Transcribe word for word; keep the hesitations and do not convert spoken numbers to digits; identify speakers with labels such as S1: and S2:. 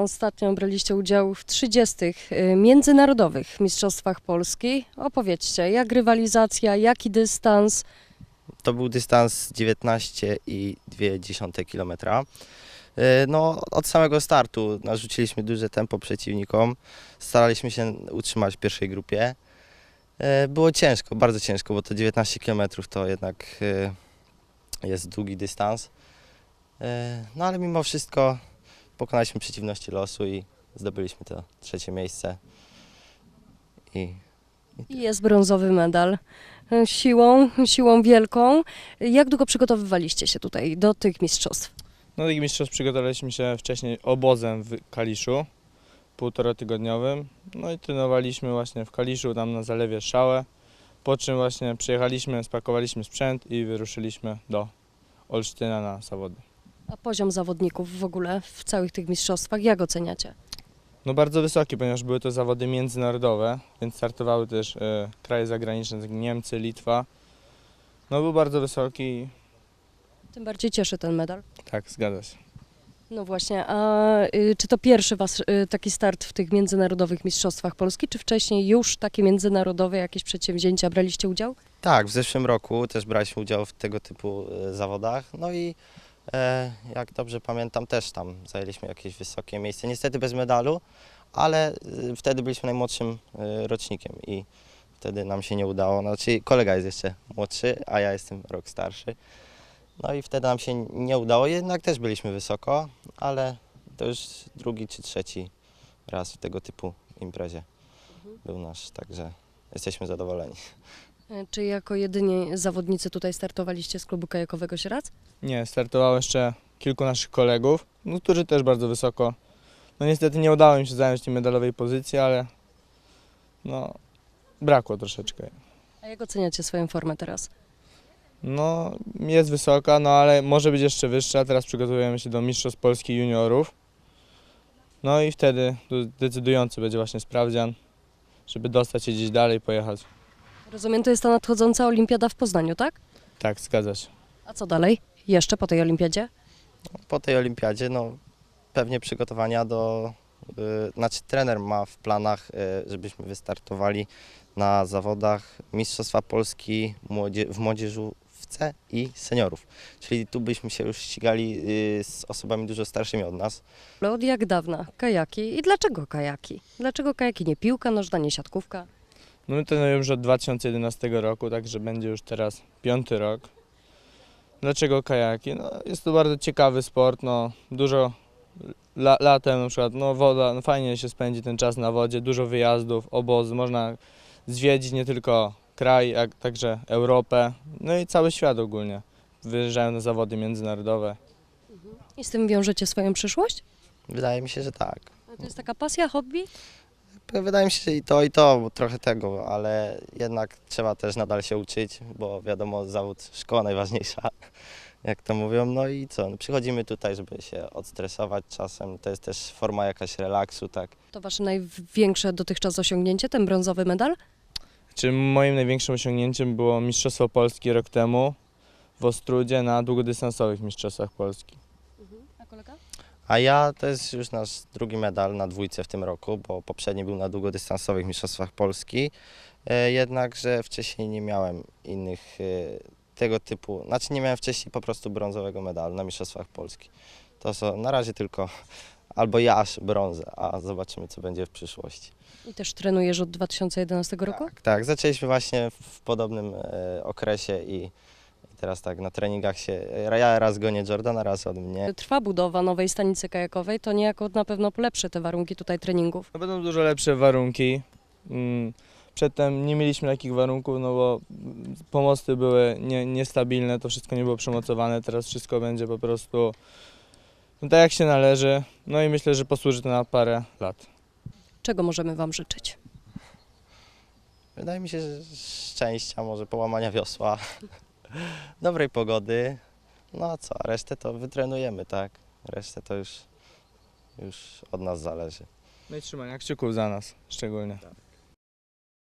S1: Ostatnio braliście udział w trzydziestych y, międzynarodowych mistrzostwach Polski. Opowiedzcie, jak rywalizacja, jaki dystans?
S2: To był dystans dziewiętnaście i dwie dziesiąte kilometra. E, No, od samego startu narzuciliśmy duże tempo przeciwnikom. Staraliśmy się utrzymać w pierwszej grupie. E, Było ciężko, bardzo ciężko, bo to dziewiętnaście kilometrów to jednak e, jest długi dystans. E, No ale mimo wszystko pokonaliśmy przeciwności losu i zdobyliśmy to trzecie miejsce. I
S1: I jest brązowy medal. Y, Siłą, siłą wielką. Jak długo przygotowywaliście się tutaj do tych mistrzostw?
S3: No i mistrzostw przygotowaliśmy się wcześniej obozem w Kaliszu, półtorotygodniowym. No i trenowaliśmy właśnie w Kaliszu, tam na zalewie Szałę. Po czym właśnie przyjechaliśmy, spakowaliśmy sprzęt i wyruszyliśmy do Olsztyna na zawody.
S1: A poziom zawodników w ogóle w całych tych mistrzostwach, jak oceniacie?
S3: No bardzo wysoki, ponieważ były to zawody międzynarodowe, więc startowały też e, kraje zagraniczne, jak Niemcy, Litwa. No był bardzo wysoki,
S1: Tym bardziej cieszy ten medal.
S3: tak, zgadza się.
S1: No właśnie, a y, czy to pierwszy was y, taki start w tych międzynarodowych mistrzostwach Polski, czy wcześniej już takie międzynarodowe jakieś przedsięwzięcia braliście udział?
S2: tak, w zeszłym roku też braliśmy udział w tego typu e, zawodach. No i e, jak dobrze pamiętam, też tam zajęliśmy jakieś wysokie miejsce. Niestety bez medalu, ale e, wtedy byliśmy najmłodszym e, rocznikiem i wtedy nam się nie udało. Znaczy kolega jest jeszcze młodszy, a ja jestem rok starszy. No i wtedy nam się nie udało, jednak też byliśmy wysoko, ale to już drugi czy trzeci raz w tego typu imprezie był nasz, także jesteśmy zadowoleni.
S1: Y, Czy jako jedyni zawodnicy tutaj startowaliście z klubu kajakowego Sieradz?
S3: Nie, startowało jeszcze kilku naszych kolegów, no, którzy też bardzo wysoko. No niestety nie udało im się zająć tej medalowej pozycji, ale no brakło troszeczkę.
S1: A jak oceniacie swoją formę teraz?
S3: No jest wysoka, no ale może być jeszcze wyższa. Teraz przygotowujemy się do Mistrzostw Polski Juniorów. No i wtedy decydujący będzie właśnie sprawdzian, żeby dostać się gdzieś dalej, pojechać.
S1: Rozumiem, to jest ta nadchodząca olimpiada w Poznaniu, tak?
S3: Tak, zgadza się.
S1: A co dalej? Jeszcze po tej olimpiadzie?
S2: Po tej olimpiadzie no, pewnie przygotowania do, y, znaczy trener ma w planach, y, żebyśmy wystartowali na zawodach Mistrzostwa Polski młodzie, w młodzieżówce i seniorów. Czyli tu byśmy się już ścigali y, z osobami dużo starszymi od nas.
S1: Ale od jak dawna? Kajaki. I dlaczego kajaki? Dlaczego kajaki? Nie piłka nożna, nie siatkówka?
S3: No my trenujemy już od dwa tysiące jedenastego roku, także będzie już teraz piąty rok. Dlaczego kajaki? No, jest to bardzo ciekawy sport, no, dużo la, latem na przykład, no woda, no, fajnie się spędzi ten czas na wodzie, dużo wyjazdów, obozy, można zwiedzić nie tylko kraj, jak także Europę, no i cały świat ogólnie. Wyjeżdżają na zawody międzynarodowe.
S1: I z tym wiążecie swoją przyszłość?
S2: Wydaje mi się, że tak.
S1: A to jest taka pasja, hobby?
S2: Wydaje mi się, że i to, i to, bo trochę tego, ale jednak trzeba też nadal się uczyć, bo wiadomo, zawód, szkoła najważniejsza, jak to mówią. No i co, no przychodzimy tutaj, żeby się odstresować czasem, to jest też forma jakaś relaksu, tak.
S1: To wasze największe dotychczas osiągnięcie, ten brązowy medal?
S3: Czy moim największym osiągnięciem było Mistrzostwo Polski rok temu w Ostródzie na długodystansowych Mistrzostwach Polski.
S1: A kolega?
S2: A ja to jest już nasz drugi medal na dwójce w tym roku, bo poprzedni był na długodystansowych Mistrzostwach Polski, e, jednakże wcześniej nie miałem innych e, tego typu, znaczy nie miałem wcześniej po prostu brązowego medalu na Mistrzostwach Polski. To są na razie tylko albo ja aż brązę, a zobaczymy co będzie w przyszłości.
S1: I też trenujesz od dwa tysiące jedenastego roku?
S2: Tak, tak, zaczęliśmy właśnie w podobnym e, okresie i, i teraz tak na treningach się, ja raz gonię Jordana, raz od mnie.
S1: Trwa budowa nowej stanicy kajakowej, to niejako na pewno polepszy te warunki tutaj treningów.
S3: No będą dużo lepsze warunki. Mm, Przedtem nie mieliśmy takich warunków, no bo pomosty były nie, niestabilne, to wszystko nie było przemocowane, teraz wszystko będzie po prostu no, tak jak się należy. No i myślę, że posłuży to na parę lat.
S1: Czego możemy wam życzyć?
S2: Wydaje mi się, że szczęścia, może połamania wiosła, dobrej pogody, no a co, resztę to wytrenujemy, tak? Resztę to już, już od nas zależy.
S3: No i trzymania kciuków za nas szczególnie.